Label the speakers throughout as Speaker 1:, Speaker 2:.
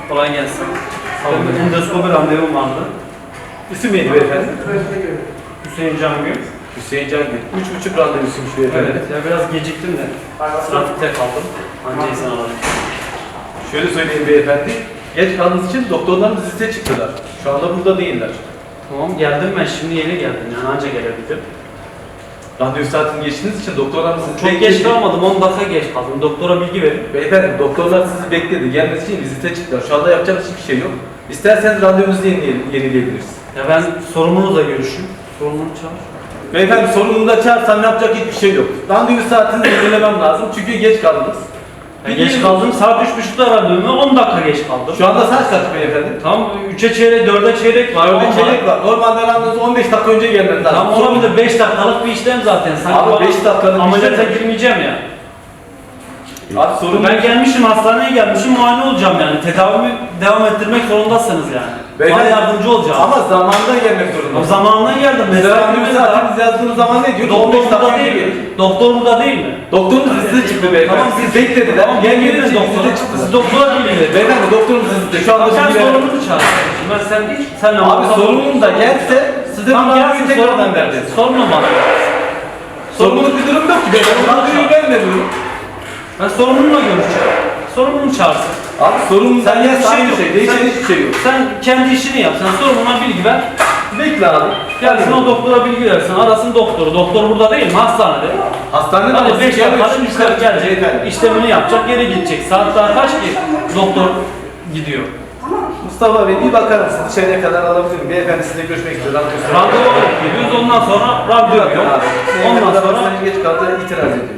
Speaker 1: Kolay gelsin. Endoskopi randevum vardı.
Speaker 2: İsim neydi beyefendi?
Speaker 1: Hüseyin Cangül.
Speaker 2: Hüseyin Cangül. 3,5 randevusuymuş beyefendi.
Speaker 1: Evet, ya biraz geciktim de. Trafikte kaldım. Anca izin aldım.
Speaker 2: Şöyle söyleyeyim beyefendi. Geç kaldığınız için doktorlarımız liste çıktılar. Şu anda burada değiller.
Speaker 1: Tamam, geldim ben. Şimdi yeni geldim yani anca gelebildim.
Speaker 2: Randevu saatini geçtiğiniz için doktorlarımız sizi
Speaker 1: Çok geç kalmadım, 10 dakika geç kaldım. Doktora bilgi verin.
Speaker 2: Beyefendi doktorlar sizi bekledi. Gelmesi için vizite çıktılar. Şu anda yapacağımız hiçbir şey yok. İsterseniz randevunuzu yenileyebiliriz.
Speaker 1: Ya ben sorumlunuzla görüşeyim. Sorumlunu çağır.
Speaker 2: Beyefendi sorununu da çağırsam yapacak hiçbir şey yok. Randevu saatini yenilemem lazım çünkü geç kaldınız.
Speaker 1: Geç kaldım, saat 3.30'da randevum, 10 dakika geç kaldım.
Speaker 2: Şu anda saat kaç beyefendi?
Speaker 1: Tamam, 3'e çeyrek, 4'e çeyrek var.
Speaker 2: 4'e çeyrek var. Normalde randevunuzu 15 dakika önce gelmeniz lazım.
Speaker 1: Tamam, olabilir, 5 dakikalık bir işlem zaten. Sanki
Speaker 2: Abi 5 dakikalık
Speaker 1: ameliyata girmeyeceğim ya.
Speaker 2: Abi sorun
Speaker 1: Ben gelmişim, hastaneye gelmişim, muayene olacağım yani. Tedavimi devam ettirmek zorundasınız yani. Bana yardımcı olacağım.
Speaker 2: Ama zamanında gelmek
Speaker 1: O
Speaker 2: zorunda.
Speaker 1: zamanına geldim.
Speaker 2: Randevu saatiniz yazdığınız zaman ne diyor?
Speaker 1: Doktor
Speaker 2: 15 dakika
Speaker 1: burada
Speaker 2: önce
Speaker 1: değil
Speaker 2: gelin.
Speaker 1: mi? Doktor burada değil mi?
Speaker 2: Doktorunuz size çıktı beyefendi.
Speaker 1: Tamam,
Speaker 2: Siz beklediler.
Speaker 1: Tamam,
Speaker 2: Gelmediğiniz
Speaker 1: gelin
Speaker 2: için
Speaker 1: doktora.
Speaker 2: size çıktı.
Speaker 1: Siz doktora bilin.
Speaker 2: Beyefendi doktorunuz sizde. Şu anda
Speaker 1: Sen
Speaker 2: bilgi verin.
Speaker 1: sorumlunu çağır. Ben senle
Speaker 2: Abi sorunun da gelse size
Speaker 1: Tamam,
Speaker 2: bu
Speaker 1: gelsin,
Speaker 2: randevuyu tekrardan vereceğiz.
Speaker 1: Sorunu bana.
Speaker 2: Sorumluluk bir durum yok ki beyefendi. Randevuyu ben veriyorum.
Speaker 1: Ben sorumlununla görüşeceğim. Sorumlunu çağırsın.
Speaker 2: Abi sorumlundan
Speaker 1: Sen
Speaker 2: gelse aynı
Speaker 1: yok.
Speaker 2: şey. Değişen hiçbir şey yok.
Speaker 1: Sen kendi işini yap. Sen sorumluna bilgi ver.
Speaker 2: Bekle abi.
Speaker 1: Gelsin o doktora bilgi versin. Arasın doktoru. Doktor burada değil mi? Hastanede.
Speaker 2: Hastanede
Speaker 1: Hadi 5 dakikada müşteri gelecek.
Speaker 2: Beyefendi.
Speaker 1: İşlemini yapacak. Geri gidecek. Saat daha kaç ki? Doktor gidiyor.
Speaker 2: Mustafa Bey bir bakar mısın? Dışarıya kadar alabilirim. Beyefendi sizinle görüşmek istiyor.
Speaker 1: Randevu alıp geliyoruz. Ondan sonra randevu yok. Ondan sonra
Speaker 2: geç kaldı itiraz ediyor.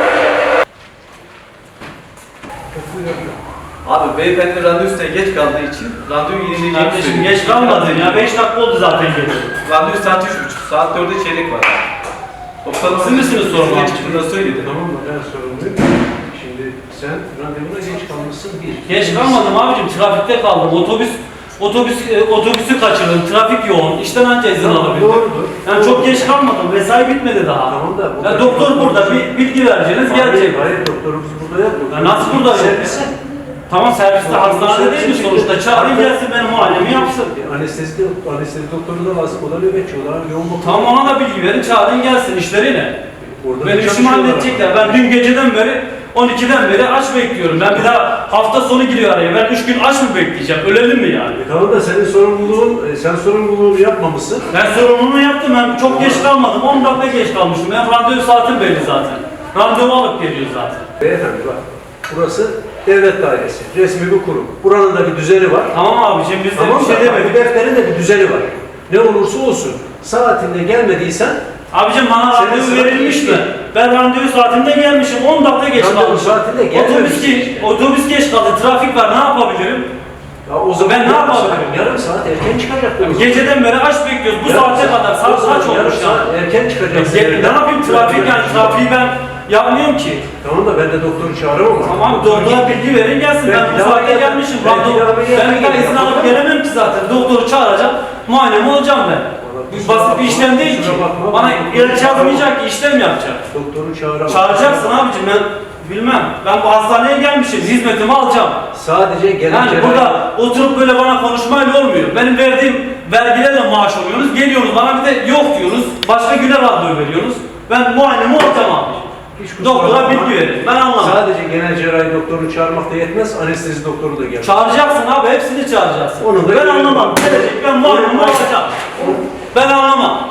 Speaker 2: Abi beyefendi randevusuna geç kaldığı için randevu yenileyeceğini
Speaker 1: kardeşim
Speaker 2: söylüyor.
Speaker 1: geç kalmadın ya. 5 dakika oldu zaten geliyor.
Speaker 2: Randevu saat 3.30. Saat 4'e çeyrek var.
Speaker 1: Siz misiniz sorumlu?
Speaker 2: Geç çıktığında söyledi.
Speaker 3: Tamam mı? Ben sorumluyum. Şimdi sen randevuna geç kalmışsın bir.
Speaker 1: Geç kalmadım abicim. Trafikte kaldım. Otobüsü kaçırdım. Trafik yoğun. İşten anca izin alabildim.
Speaker 3: Doğrudur.
Speaker 1: Yani çok geç kalmadım. Mesai bitmedi daha.
Speaker 3: Tamam da.
Speaker 1: Ya doktor burada. Bir bilgi vereceğiniz gelecek.
Speaker 3: Hayır doktorumuz burada yok.
Speaker 1: Ya nasıl burada yok?
Speaker 3: Servise.
Speaker 1: Tamam serviste hastanede değil mi sonuçta? Çağırayım gelsin benim muayenemi yapsın.
Speaker 3: Anestezi doktoru da lazım. O da nöbetçi. O da yoğun bakım.
Speaker 1: Tamam ona da bilgi verin. Çağırın gelsin işleri ne?
Speaker 3: Orada
Speaker 1: Benim işimi halledecekler. Ben dün geceden beri 12'den beri aç bekliyorum. Ben bir daha hafta sonu giriyor araya. Ben 3 gün aç mı bekleyeceğim? Ölelim mi yani?
Speaker 3: Tamam da senin sen sorumluluğunu yapmamışsın.
Speaker 1: Ben sorumluluğunu yaptım. Ben çok geç kalmadım. 10 dakika geç kalmışım. Ben randevu saatim belli zaten. Randevu alıp geliyor zaten.
Speaker 3: Beyefendi bak. Burası devlet dairesi. Resmi bir kurum. Buranın da bir düzeni var.
Speaker 1: Tamam abicim biz de
Speaker 3: Tamam
Speaker 1: bir şey
Speaker 3: da
Speaker 1: demedik.
Speaker 3: bu defterin de bir düzeni var. Ne olursa olsun saatinde gelmediysen
Speaker 1: Abicim bana
Speaker 3: Senin
Speaker 1: randevu
Speaker 3: saatin
Speaker 1: verilmişti.
Speaker 3: geçti.
Speaker 1: Ben randevu saatinde gelmişim. 10 dakika geç
Speaker 3: Randevu
Speaker 1: kalmışım.
Speaker 3: saatinde gelmemişsin.
Speaker 1: Otobüs geç kaldı. Trafik var. Ne yapabilirim?
Speaker 3: ya o zaman
Speaker 1: Ben ne
Speaker 3: yarım
Speaker 1: yapabilirim?
Speaker 3: saat- Yarım saat erken çıkacaktın.
Speaker 1: Geceden beri aç bekliyoruz. Bu saate kadar. Saat kaç olmuş ya?
Speaker 3: Erken çıkacaksın.
Speaker 1: Ne yapayım trafik yani? Trafiği ben yapmıyorum ki.
Speaker 3: Tamam da ben de doktoru çağıramam.
Speaker 1: Tamam doktora bilgi verin gelsin. Ben bu saatte gelmişim. Ben bir daha izin alıp gelemem ki zaten. Doktoru çağıracağım. Muayenemi olacağım ben. Basit bir işlem değil ki. Bana ilaç yazmayacak ki işlem yapacak.
Speaker 3: Doktoru çağıramam.
Speaker 1: Çağıracaksın abicim ben bilmem. Ben bu hastaneye gelmişim. Hizmetimi alacağım.
Speaker 3: Sadece gelen
Speaker 1: Yani burada oturup böyle bana konuşmayla olmuyor. Benim verdiğim vergilerle maaş alıyorsunuz. Geliyorsunuz bana bir de yok diyorsunuz. Başka güne randevu veriyorsunuz. Ben muayenemi olacağım abi. Doktora bilgi verin. Ben anlamadım.
Speaker 3: Sadece genel cerrahi doktorunu çağırmak da yetmez. Anestezi doktoru da gelir.
Speaker 1: Çağıracaksın abi. Hepsini çağıracaksın.
Speaker 3: Onu da
Speaker 1: Ben anlamam. Gelecek ben muayenemi olacağım. Ben anlamam.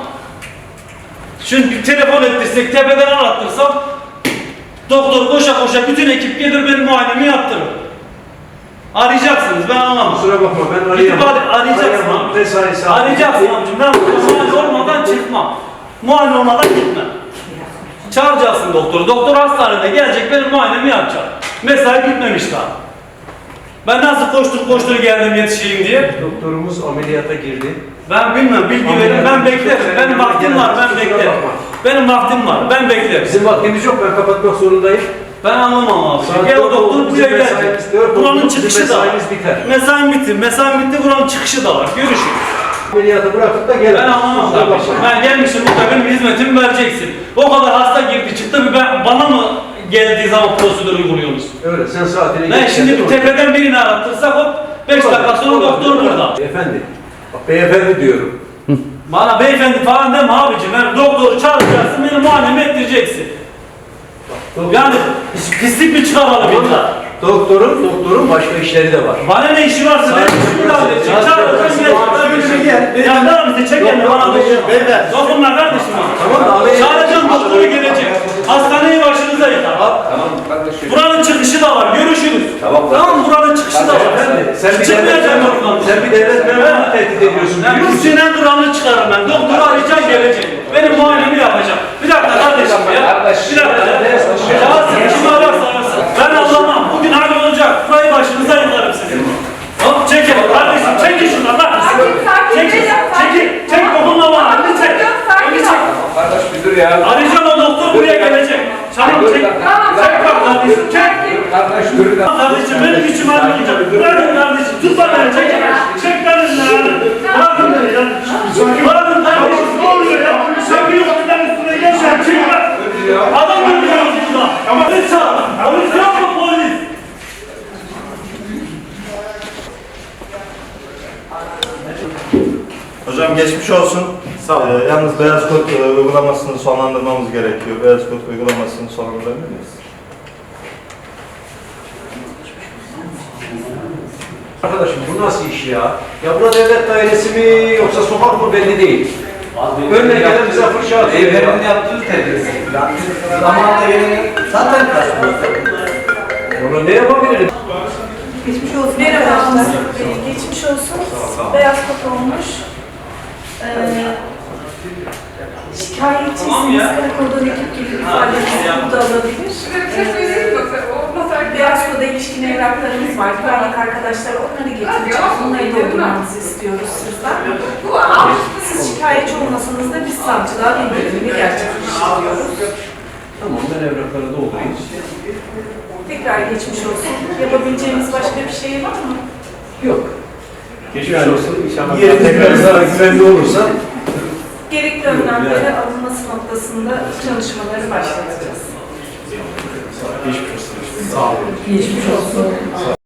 Speaker 1: Çünkü telefon ettirsek tepeden arattırsam doktor koşa koşa bütün ekip gelir benim muayenemi yaptırır. Arayacaksınız ben anlamam.
Speaker 3: Kusura bakma ben
Speaker 1: Gidip
Speaker 3: arayamam.
Speaker 1: arayacaksın
Speaker 3: Arayamam.
Speaker 1: abi.
Speaker 3: Mesai saati.
Speaker 1: Arayacaksın abicim. Ben muayene olmadan çıkmam. Muayene olmadan gitmem. Çağıracaksın doktoru. Doktor hastanede gelecek benim muayenemi yapacak. Mesai bitmemiş daha. Ben nasıl koştur geldim yetişeyim diye.
Speaker 3: Doktorumuz ameliyata girdi.
Speaker 1: Ben bilmem bilgi verin ben beklerim. Benim vaktim var ben beklerim. Benim vaktim var ben beklerim.
Speaker 3: Bizim vaktimiz yok ben kapatmak zorundayım.
Speaker 1: Ben anlamam abi.
Speaker 3: Saat
Speaker 1: Gel o
Speaker 3: dört
Speaker 1: doktor
Speaker 3: oldu,
Speaker 1: buraya
Speaker 3: bizim
Speaker 1: gelecek.
Speaker 3: mesaimiz dört
Speaker 1: Buranın
Speaker 3: oldu,
Speaker 1: çıkışı
Speaker 3: bizim
Speaker 1: da var.
Speaker 3: mesaimiz biter.
Speaker 1: Mesaim bitti. Mesaim bitti buranın çıkışı da var. Görüşürüz.
Speaker 3: Ameliyatı bırakıp da gel.
Speaker 1: Ben anlamam
Speaker 3: Kusura
Speaker 1: kardeşim.
Speaker 3: bakma.
Speaker 1: Ben gelmişim burada benim hizmetimi vereceksin. O kadar hasta girdi çıktı bana mı geldiği zaman prosedür uyguluyorsunuz?
Speaker 3: Öyle sen saatine
Speaker 1: Ben
Speaker 3: geç
Speaker 1: şimdi
Speaker 3: geldin
Speaker 1: bir
Speaker 3: oraya.
Speaker 1: tepeden birini arattırsak hop 5 dakika sonra doktor burada.
Speaker 3: Beyefendi. Bak beyefendi diyorum.
Speaker 1: Bana beyefendi falan deme abicim. Ben doktoru çağıracaksın, benim muayenemi ettireceksin. Yani pislik mi çıkaralım illa?
Speaker 3: Doktorun başka işleri de var.
Speaker 1: Bana ne işi varsa benim işimi de halledecek. Çağıracağım gelecek. Ya ne bize çekelim bana doktor. Dokunma kardeşim.
Speaker 3: Tamam da abi.
Speaker 1: Çağıracağım doktoru gelecek. Hastaneyi başınıza yıkar.
Speaker 2: Tamam kardeşim.
Speaker 1: Buranın çıkışı da var. Görüşürüz.
Speaker 2: Tamam.
Speaker 1: Tamam buranın çıkışı da var.
Speaker 3: Sen bir
Speaker 1: Çıkmayacağım oradan.
Speaker 3: Sen bir devlet memurunu tehdit ediyorsun.
Speaker 1: Ben bu sinen kralını çıkarım ben. Doktoru arayacağım gelecek. Benim muayenemi yapacağım. Bir dakika kardeşim ya. Bir dakika ya. Çağırsın. Kimi ararsa arasın. Ben anlamam. Bugün hali olacak. Burayı başınıza yıkarım sizin. Hop çekin kardeşim. Çekin şundan lan. Çekil. Çekil. Çek dokunma bana. Elini çek. Elini çek.
Speaker 2: Kardeş bir dur ya.
Speaker 1: Arayacağım o doktor buraya gelecek. Çabuk çek. Çek bak kardeşim. Çek.
Speaker 2: Kardeş dur da.
Speaker 1: Kardeşim benim içim almayacak. Bırakın kardeşim. Tut bana çek. Çek kardeşim. Bırakın beni ya. Bırakın kardeşim. Ne oluyor ya? Sen bir yolundan üstüne geçer. Çek bak. Adam öldürüyoruz burada. Polis çağır. Polis yok mu polis?
Speaker 4: Hocam geçmiş olsun.
Speaker 3: Sağ ol.
Speaker 4: Yalnız beyaz kod uygulamasını sonlandırmamız gerekiyor. Beyaz kod uygulamasını sonlandırabilir miyiz?
Speaker 3: Arkadaşım bu nasıl iş ya? Ya bura devlet dairesi mi yoksa sokak mı belli değil. Önüne gelen bize fırça atıyor ya.
Speaker 2: Beyefendinin yaptığı terbiyesi. Zamanında geleni zaten karşılıyor.
Speaker 3: Onu ne yapabilirim?
Speaker 5: Geçmiş olsun. Merhaba. Geçmiş olsun. Beyaz kod olmuş. Şikayetçisiniz. Karakoldan ekip gelip ifadenizi burada alabilir. Beyaz koda ilişkin evraklarımız var. Güvenlik arkadaşlar onları getirecek. Onları doldurmanızı istiyoruz sizden. Siz şikayetçi olmasanız da biz savcılığa bildirimini gerçekleştiriyoruz.
Speaker 3: Tamam ben evrakları doldurayım.
Speaker 5: Tekrar geçmiş olsun. Yapabileceğimiz başka bir şey var mı?
Speaker 3: Yok. Geçmiş olsun. İnşallah tekrar zarar güvenli olursa.
Speaker 5: Gerekli önlemlere alınması noktasında çalışmaları başlatacağız.
Speaker 3: Geçmiş olsun. Sağ olun.
Speaker 5: Geçmiş olsun.